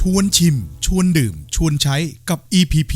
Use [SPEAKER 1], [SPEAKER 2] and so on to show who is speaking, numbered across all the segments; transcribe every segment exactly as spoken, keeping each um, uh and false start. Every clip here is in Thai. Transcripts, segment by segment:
[SPEAKER 1] ชวนชิมชวนดื่มชวนใช้กับ อี พี พี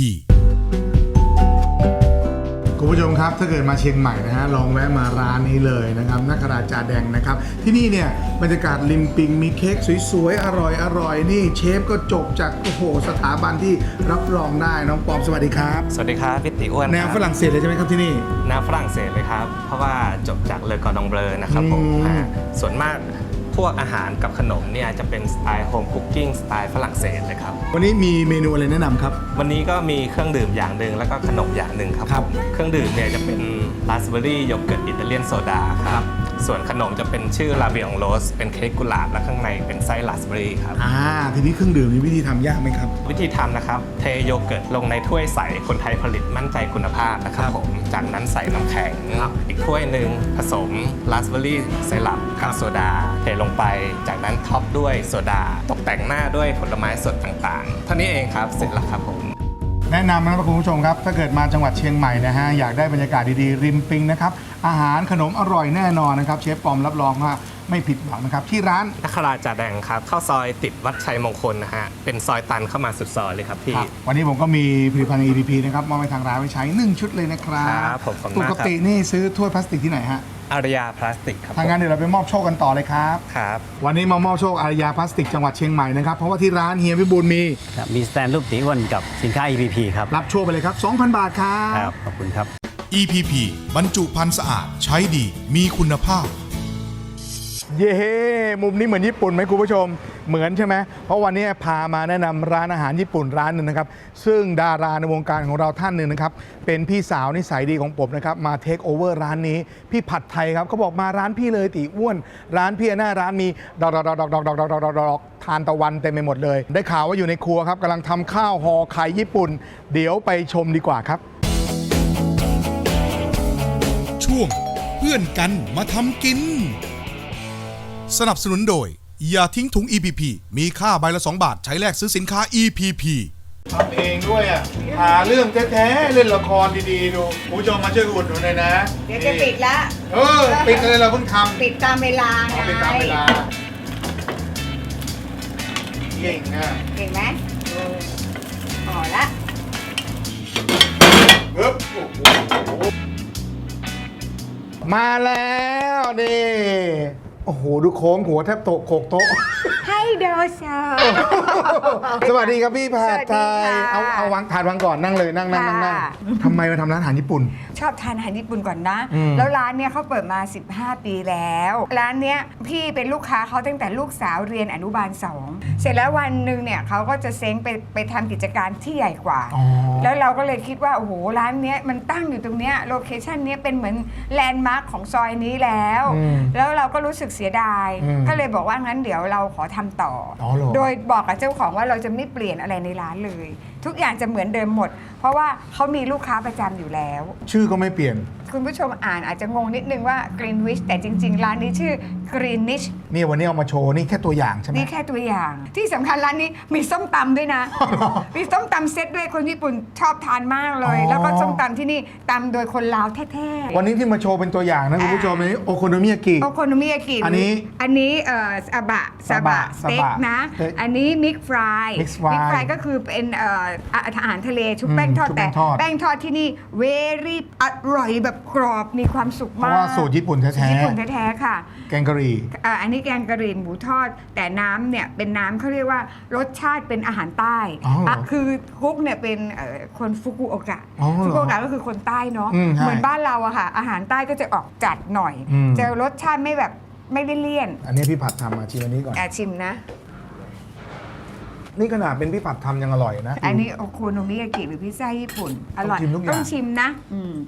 [SPEAKER 2] คุณผู้ชมครับถ้าเกิดมาเชียงใหม่นะฮะลองแวะมาร้านนี้เลยนะครับนักราจาแดงนะครับที่นี่เนี่ยบรรยากาศริมปิงมีเค้กสวยๆอร่อยๆนี่เชฟก็จบจากโอ้โหสถาบันที่รับรองได้น้องปอมสวัสดีครับ
[SPEAKER 3] สวัสดีครับพี่ติอ้วน
[SPEAKER 2] แนวฝรั่งเศสเลยใช่ไหมครับที่นี่
[SPEAKER 3] แนวฝรั่งเศสเลยครับเพราะว่าจบจากเลอกอร์ดองเบลอนะครับผมส่วนมากพวกอาหารกับขนมเนี่ยจะเป็นสไตล์โฮมคุกกิ้งสไตล์ฝรั่งเศสเลยครับ
[SPEAKER 2] วันนี้มีเมนูอะไรแนะนำครับ
[SPEAKER 3] วันนี้ก็มีเครื่องดื่มอย่างหนึ่งแล้วก็ขนมอย่างหนึ่งครับผมเครื่องดื่มเนี่ยจะเป็นราสเบอร์รี่โยเกิร์ตอิตาเลียนโซดาครับส่วนขนมจะเป็นชื่อลาเบียงโรสเป็นเค้กกุหลาบและข้างในเป็นไส้ราสเบอร์รี่ครับ
[SPEAKER 2] อ่าทีนี้เครื่องดื่มมีวิธีทำยากไหมครับ
[SPEAKER 3] วิธีทำนะครับเทโยเกิร์ตลงในถ้วยใสคนไทยผลิตมั่นใจคุณภาพนะครับผมจากนั้นใส่น้ำแข็งอีกถ้วยหนึ่งผสมราสเบอร์รี่ไซรัปกับโซดาเทลงไปจากนั้นท็อปด้วยโซดาตกแต่งหน้าด้วยผลไม้สดต่างๆเท่านี้เองครับเสร็จแล้วครับผม
[SPEAKER 2] แนะนำนะครับคุณผู้ชมครับถ้าเกิดมาจังหวัดเชียงใหม่นะฮะอยากได้บรรยากาศดีๆริมปิงนะครับอาหารขนมอร่อยแน่นอนนะครับเชฟปอมรับรองว่าไม่ผิดหวังนะครับที่ร้าน
[SPEAKER 3] นักราจาแดงครับเข้าซอยติดวัดชัยมงคลนะฮะเป็นซอยตันเข้ามาสุดซอยเลยครับพี่
[SPEAKER 2] วันนี้ผมก็มีผลิตภัณฑ์ อี พี พี นะครับมอบให้ทางร้านไว้ใช้หนึ่งชุดเลยนะครับ
[SPEAKER 3] ครับผมขอบคุณมากครับ
[SPEAKER 2] ปกตินี่ซื้อถ้วยพลาสติกที่ไหนฮะ
[SPEAKER 3] อารยาพลาสติกครับ
[SPEAKER 2] ทางงานเดี๋ยวเราไปมอบโชคกันต่อเลยครับ
[SPEAKER 3] ครับ
[SPEAKER 2] วันนี้มามอบโชคอารยาพลาสติกจังหวัดเชียงใหม่นะครับเพราะว่าที่ร้านเฮียวิบูลย์มี
[SPEAKER 4] มีสแตนรูปตีอ้วนกับสินค้า อี พี พี ครับ
[SPEAKER 2] รับโชคไปเลยครับ สองพัน บาทครับ
[SPEAKER 4] ครับขอบคุณครับ
[SPEAKER 1] อี พี พี บรรจุภัณฑ์สะอาดใช้ดีมีคุณภาพ
[SPEAKER 2] เย้มุมนี้เหมือนญี่ปุ่นไหมคุณผู้ชมเหมือนใช่ไหมเพราะวันนี้พามาแนะนำร้านอาหารญี่ปุ่นร้านหนึ่งนะครับซึ่งดาราในวงการของเราท่านหนึ่งนะครับเป็นพี่สาวนิสัยดีของผมนะครับมาเทคโอเวอร์ร้านนี้พี่ผัดไทยครับเขาบอกมาร้านพี่เลยตีอ้วนร้านพี่หน้าร้านมีดอกดอกดอกดอกดอกดอกดอกดอกดอกทานตะวันเต็มไปหมดเลยได้ข่าวว่าอยู่ในครัวครับกำลังทำข้าวห่อไข่ญี่ปุ่นเดี๋ยวไปชมดีกว่าครับ
[SPEAKER 1] ช่วงเพื่อนกันมาทำกินสนับสนุนโดยอย่าทิ้งถุง อี พี พี มีค่าใบละสองบาทใช้แลกซื้อสินค้า อี พี พี
[SPEAKER 2] ทำเองด้วยอ่ะหาเรื่องแท้ๆเล่นละครดีๆดูผู้ชมมาช่วยอุดหนุนหน่อยนะ
[SPEAKER 5] เดี๋ยวจะปิดละ
[SPEAKER 2] เออปิดเลยเราเพิ่งทำ
[SPEAKER 5] ปิดตามเวลาไง
[SPEAKER 2] ปิดตามเวลาเก่งอ่ะ
[SPEAKER 5] เก่งไหมพอละ
[SPEAKER 2] ปึ๊บโอ้โหมาแล้วนี่โอ้โหดูโค้งหัวแทบโตกโขกโต๊ะ
[SPEAKER 5] ให้โดซา
[SPEAKER 2] สวัสดีครับพี่ผัดไทยเอาเอาวางถาดวางก่อนนั่งเลยนั่งนั่งนั่งนั่งทำไมมาทำร้านอาหารญี่ปุ่น
[SPEAKER 5] ชอบทานอาหารญี่ปุ่นก่อนนะแล้วร้านเนี้ยเขาเปิดมาสิบห้าปีแล้วร้านเนี้ยพี่เป็นลูกค้าเขาตั้งแต่ลูกสาวเรียนอนุบาลสองเสร็จแล้ววันหนึ่งเนี่ยเขาก็จะเซ้งไปไปทำกิจการที่ใหญ่กว่าแล้วเราก็เลยคิดว่าโอ้โหร้านเนี้ยมันตั้งอยู่ตรงเนี้ยโลเคชั่นเนี้ยเป็นเหมือนแลนด์มาร์คของซอยนี้แล้วแล้วเราก็รู้สึกเสียดายก็เลยบอกว่างั้นเดี๋ยวเราขอทำต่อโดยบอกกับเจ้าของว่าเราจะไม่เปลี่ยนอะไรในร้านเลยทุกอย่างจะเหมือนเดิมหมดเพราะว่าเขามีลูกค้าประจำอยู่แล้ว
[SPEAKER 2] ชื่อก็ไม่เปลี่ยน
[SPEAKER 5] คุณผู้ชมอ่านอาจจะงงนิดนึงว่า Greenwich แต่จริงๆร้านนี้ชื่อ Greenish
[SPEAKER 2] นี่วันนี้เอามาโชว์นี่แค่ตัวอย่างใช่ไหม
[SPEAKER 5] นี่แค่ตัวอย่างที่สำคัญร้านนี้มีส้มตำด้วยนะ มีส้มตำเซตด้วยคนญี่ปุ่นชอบทานมากเลยแล้วก็ส้มตำที่นี่ตำโดยคนลาวแท้
[SPEAKER 2] ๆวันนี้ที่มาโชว์เป็นตัวอย่างนะคุณผู้ชมอันนี้โอโคโนมิยากิ
[SPEAKER 5] โอโคโนมิยากิ
[SPEAKER 2] อันนี้
[SPEAKER 5] อันนี้เอ่อซาบะซาบะสเต็กนะอันนี้มิกฟรายมิกฟรายก็คือเป็นเอ่ออาหารทะเลชุบแป้งทอดแต่แป้งทอดที่นี่เวรี่อร่อยแบบกรอบมีความสุขมาก
[SPEAKER 2] เพราะว่าสูตรญี่ปุ่นแท้ๆ
[SPEAKER 5] ญี่ปุ่นแท้ๆค่ะ
[SPEAKER 2] แกงกะหรี่
[SPEAKER 5] อ่าอันนี้แกงกะหรี่หมูทอดแต่น้ำเนี่ยเป็นน้ำเขาเรียกว่ารสชาติเป็นอาหารใต้อ่ะคือคุกเนี่ยเป็นคนฟุกุโอกะฟุกุโอกะก็คือคนใต้เนาะเหมือนบ้านเราอะค่ะอาหารใต้ก็จะออกจัดหน่อยจะรสชาติไม่แบบไม่ได้เลี่ยน
[SPEAKER 2] อันนี้พี่ผัดทำมาชิมอันนี้ก่อน
[SPEAKER 5] อ่ะชิมนะ
[SPEAKER 2] นี่ขนาดเป็นพี่ผัดทำยังอร่อยนะ
[SPEAKER 5] อันนี้โอโคโนมิยากิหรือพิซซ่าญี่ปุ่นอร่อยต้องชิมนะ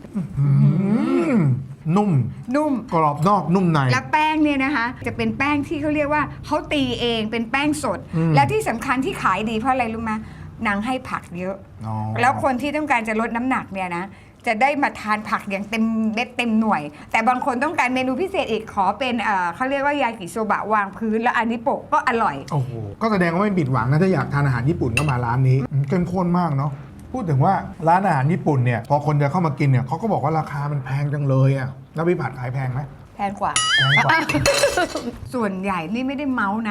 [SPEAKER 2] นุ่ม
[SPEAKER 5] นุ่ม
[SPEAKER 2] กรอบนอกนุ่มใน
[SPEAKER 5] แล้วแป้งเนี่ยนะคะจะเป็นแป้งที่เขาเรียกว่าเขาตีเองเป็นแป้งสดและที่สำคัญที่ขายดีเพราะอะไรรู้ไหมนางให้ผักเยอะแล้วคนที่ต้องการจะลดน้ำหนักเนี่ยนะจะได้มาทานผักอย่างเต็มเม็ดเต็มหน่วยแต่บางคนต้องการเมนูพิเศษอีกขอเป็นเอ่อเขาเรียกว่ายากิโซบะวางพื้นแล้วอันนี้โปะก็อร่อย
[SPEAKER 2] โอ้โหก็แสดงว่าไม่ผิดหวังนะถ้าอยากทานอาหารญี่ปุ่นก็มาร้านนี้เข้มข้นมากเนาะพูดถึงว่าร้านอาหารญี่ปุ่นเนี่ยพอคนจะเข้ามากินเนี่ยเขาก็บอกว่าราคามันแพงจังเลยอ่ะแล้วพี่ผัดขายแพงไหม
[SPEAKER 5] แพงกว่า
[SPEAKER 2] แพงกว่า
[SPEAKER 5] ส่วนใหญ่นี่ไม่ได้เมาส์นะ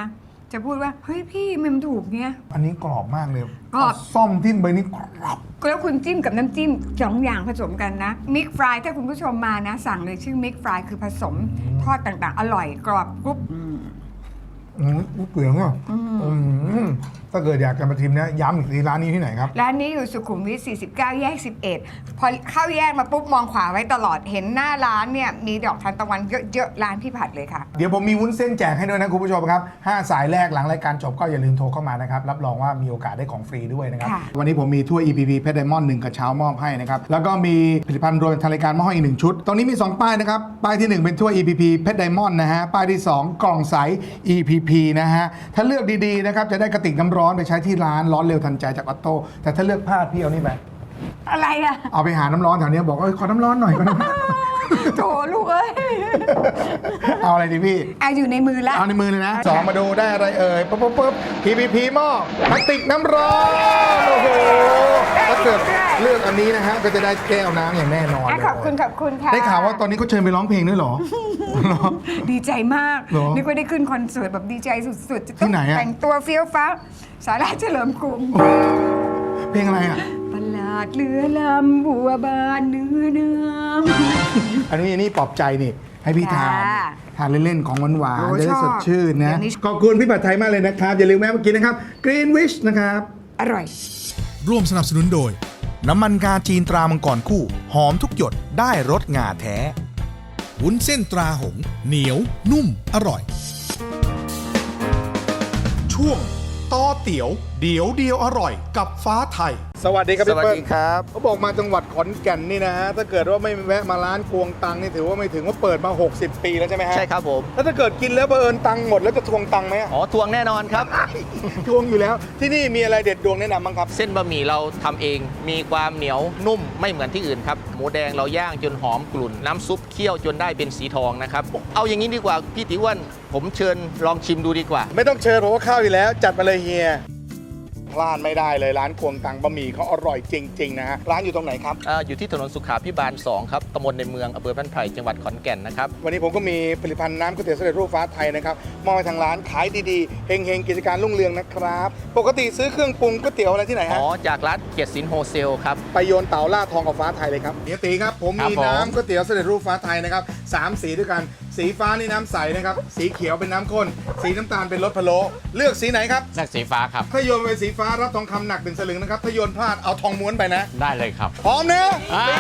[SPEAKER 5] จะพูดว่าเฮ้ยพี่มันถูกเนี้ย
[SPEAKER 2] อันนี้กรอบมากเลย
[SPEAKER 5] กรอบ
[SPEAKER 2] เาซ่อมทิ่มไปนี่กรอบ
[SPEAKER 5] แล้วคุณจิ้มกับน้ำจิ้มสองอย่างผสมกันนะมิกฟรายถ้าคุณผู้ชมมานะ สั่งเลยชื่อมิกฟรายคือผสมทอดต่างๆ อร่อยกรอบกรุบ
[SPEAKER 2] อืมเปลืองอ่ะอืมถ้าเกิดอยากจะมาชิมนะย้ำอีกทีร้านนี้ที่ไหนครับ
[SPEAKER 5] ร้านนี้อยู่สุขุมวิทสี่สิบเก้าแยกสิบเอ็ดพอเข้าแยกมาปุ๊บมองขวาไว้ตลอดเห็นหน้าร้านเนี่ยมีดอกทานตะวันเยอะๆร้านพี่ผัดเลยค่ะ
[SPEAKER 2] เดี๋ยวผมมีวุ้นเส้นแจกให้ด้วยนะคุณผู้ชมครับห้าสายแรกหลังรายการจบก็อย่าลืมโทรเข้ามานะครับรับรองว่ามีโอกาสได้ของฟรีด้วยนะครับ
[SPEAKER 5] ค่ะ
[SPEAKER 2] วันนี้ผมมีถ้วย อี พี พี เพชรไดมอนด์หนึ่งกระเช้ามอบให้นะครับแล้วก็มีผลิตภัณฑ์รวมทางรายการมอบให้อีกหนึ่งชุดตรงนี้มีสองป้ายนะครับป้ายที่หนึ่งเป็นถ้วย อี พี พี เพชรไดมอนด์นะฮะป้ายที่สองกล่องใส อี พี พี นะฮะถ้าเลือกดีๆนะครับจะได้กระติกน้ำร้อนไปใช้ที่ร้านร้อนเร็วทันใจจากออตโต้แต่ถ้าเลือกพลาดพี่เอานี่ไป
[SPEAKER 5] อะไรอะ
[SPEAKER 2] เอาไปหาน้ำร้อนแถวนี้บอกว่าเอ้ยขอน้ำร้อนหน่อยขอน้ำร้อน
[SPEAKER 5] โถลูกเอ้ย
[SPEAKER 2] เอาอะไรดีพี่
[SPEAKER 5] เอาอยู่ในมือละ
[SPEAKER 2] เอาในมือเลยนะสองมาดูได้อะไรเอ่ยปุ๊บปุ๊บปุ๊บ พี พี พี หม้อพลาสติกน้ำร้อนโอ้โหถ้าเกิดเลือกอันนี้นะฮะก็จะได้แก้วน้ำอย่างแน่นอน
[SPEAKER 5] อ่ะ
[SPEAKER 2] เลย
[SPEAKER 5] ขอบคุณขอบคุณค่ะ
[SPEAKER 2] ได้ข่าวว่าตอนนี้เขาเชิญไปร้องเพลงด้วยเหรอ เหรอ
[SPEAKER 5] ดีใจมาก
[SPEAKER 2] เหรอ
[SPEAKER 5] นึกว่าได้ขึ้นคอนเสิร์ตแบบดีใจสุดๆจะ
[SPEAKER 2] ที่
[SPEAKER 5] ต้อง
[SPEAKER 2] ไหนอะ
[SPEAKER 5] แต่งตัวเฟี้ยวฟ้าวสาราเฉลิมกรุง
[SPEAKER 2] เพลงอะไรอ่ะ
[SPEAKER 5] ประหลาดเรือลำบัวบานเนื้อเนื้อ
[SPEAKER 2] อันนี้อันนี้ปลอบใจนี่ ให้พี่ทาน
[SPEAKER 5] ค่ะ
[SPEAKER 2] ทานเล่น ๆ ของหวาน
[SPEAKER 5] โอ้
[SPEAKER 2] ๆจะได้
[SPEAKER 5] ชอบ
[SPEAKER 2] สดชื่นนะ
[SPEAKER 5] เดี๋ยวนี้
[SPEAKER 2] ขอบคุณพี่ผัดไทยมากเลยนะครับ อย่าลืมแวะมากินนะครับ Green Wish นะครับ
[SPEAKER 5] อร่อย
[SPEAKER 1] ร่วมสนับสนุนโดย น้ำมันงาจีนตรามังกรคู่ หอมทุกหยดได้รสงาแท้ วุ้นเส้นตราหงส์เหนียว นุ่ม อร่อย ช่วงต่อเตี๋ยว เดี๋ยวเดียวอร่อยกับฟ้าไทย
[SPEAKER 2] สวัสดีครับ
[SPEAKER 6] ส
[SPEAKER 2] พี่
[SPEAKER 6] วัส
[SPEAKER 2] เปิ้ล
[SPEAKER 6] ดีครับ
[SPEAKER 2] เขาบอกมาจังหวัดขอนแก่นนี่นะฮะ ถ้าเกิดว่าไม่แวะมาร้านกวงตังนี่ถือว่าไม่ถึงว่าเปิดมา หกสิบ ปีแล้วใช่ไหมฮะ
[SPEAKER 6] ใช่ครับผม
[SPEAKER 2] แล้วถ้าเกิดกินแล้วบังเอิญตังค์หมดแล้วจะทวงตังค์ไหมอะ
[SPEAKER 6] อ๋อทวงแน่นอนครับ
[SPEAKER 2] ทวงอยู่แล้ว ที่นี่มีอะไรเด็ดดวงแนะนำบ้างครับ
[SPEAKER 6] เส้นบะหมี่เราทำเองมีความเหนียวนุ่มไม่เหมือนที่อื่นครับหมูแดงเราย่างจนหอมกลุ่น น้ำซุปเคี่ยวจนได้เป็นสีทองนะครับ เอาอย่างนี้ดีกว่าพี่ติอ้วนผมเชิญลองชิมดูดีกว่า
[SPEAKER 2] ไม่ต้องเชิญผมว่าข้าวอยู่แล้ว จัดมาเลยเฮียพลาดไม่ได้เลยร้านกวงตังบะหมี่เขาอร่อยจริงๆนะฮะร้านอยู่ตรงไหนครับ
[SPEAKER 6] เอ่ออยู่ที่ถนนสุขาพิบาลสองครับตำบลในเมืองอำเภอบ้านไผ่จังหวัดขอนแก่นนะครับ
[SPEAKER 2] วันนี้ผมก็มีผลิตภัณฑ์น้ำก๋วยเตี๋ยวสำเร็จรูปฟ้าไทยนะครับมอบให้ทางร้านขายดีๆเฮงๆกิจการรุ่งเรืองนะครับ ปกติซื้อเครื่องปรุงก๋วยเตี๋ยวอะไรที่ไหน
[SPEAKER 6] อ๋
[SPEAKER 2] ฮะ
[SPEAKER 6] อจากร้านเกียรติสินโฮเซลครับ
[SPEAKER 2] ไปโยนเต่าล่าทองกับฟ้าไทยเลยครับเฮียตีครับผม
[SPEAKER 6] ครับ
[SPEAKER 2] มี
[SPEAKER 6] ผม
[SPEAKER 2] น้ำก๋วยเตี๋ยวสำเร็จรูปฟ้าไทยนะครับสามสีด้วยกันสีฟ้านี่น้ำใสนะครับสีเขียวเป็นน้ำข้นสีน้ำตาลเป็นรสพะโล้เลือกสีไหนครับ
[SPEAKER 7] เลือกสีฟ้าครับ
[SPEAKER 2] ถ้าโยนไปสีฟ้ารับทองคำหนักเป็นสลึงนะครับถ้าโยนพลาดเอาทองม้วนไปนะ
[SPEAKER 7] ได้เลยครับ
[SPEAKER 2] พร้อมนะ
[SPEAKER 7] อ่า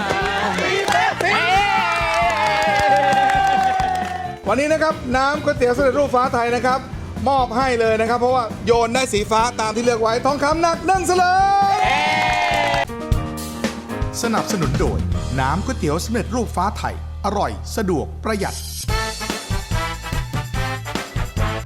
[SPEAKER 2] วันนี้นะครับน้ำก๋วยเตี๋ยวสำเร็จรูปฟ้าไทยนะครับมอบให้เลยนะครับ เพราะว่าโยนได้สีฟ้าตามที่เลือกไว้ทองคำหนักหนึ่งสลึง
[SPEAKER 1] สนับสนุนโดย น้ำก๋วยเตี๋ยวสำเร็จรูปฟ้าไทย อร่อย สะดวกประหยัด